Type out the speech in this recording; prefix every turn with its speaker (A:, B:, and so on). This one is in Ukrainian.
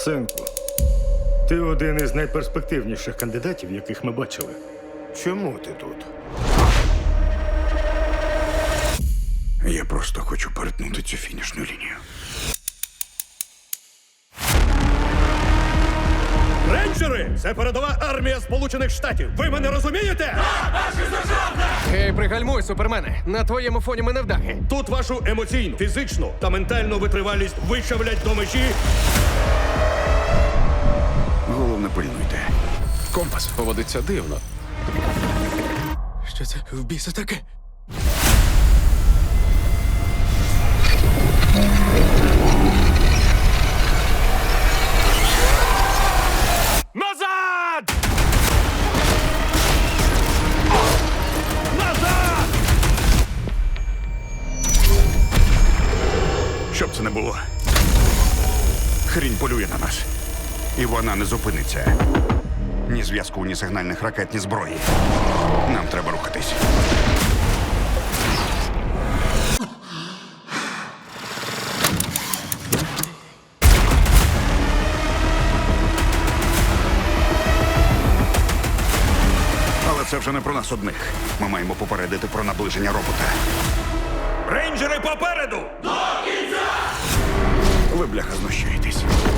A: Синку, ти один із найперспективніших кандидатів, яких ми бачили. Чому ти тут?
B: Я просто хочу перетнути цю фінішну лінію.
C: Рейнджери! Це передова армія Сполучених Штатів. Ви мене розумієте?
D: Гей, пригальмуй, супермене. На твоєму фоні ми невдахи.
C: Тут вашу емоційну, фізичну та ментальну витривалість вичавлять до межі.
B: Головне, пильнуйте.
E: Компас поводиться дивно.
D: Що це в біса таке?
C: Назад! Назад!
B: Щоб це не було. Хрінь полює на нас. І вона не зупиниться. Ні зв'язку, ні сигнальних ракет, ні зброї. Нам треба рухатись. Але це вже не про нас одних. Ми маємо попередити про наближення робота.
C: Рейнджери попереду!
B: Ви, бляха, знущаєтесь.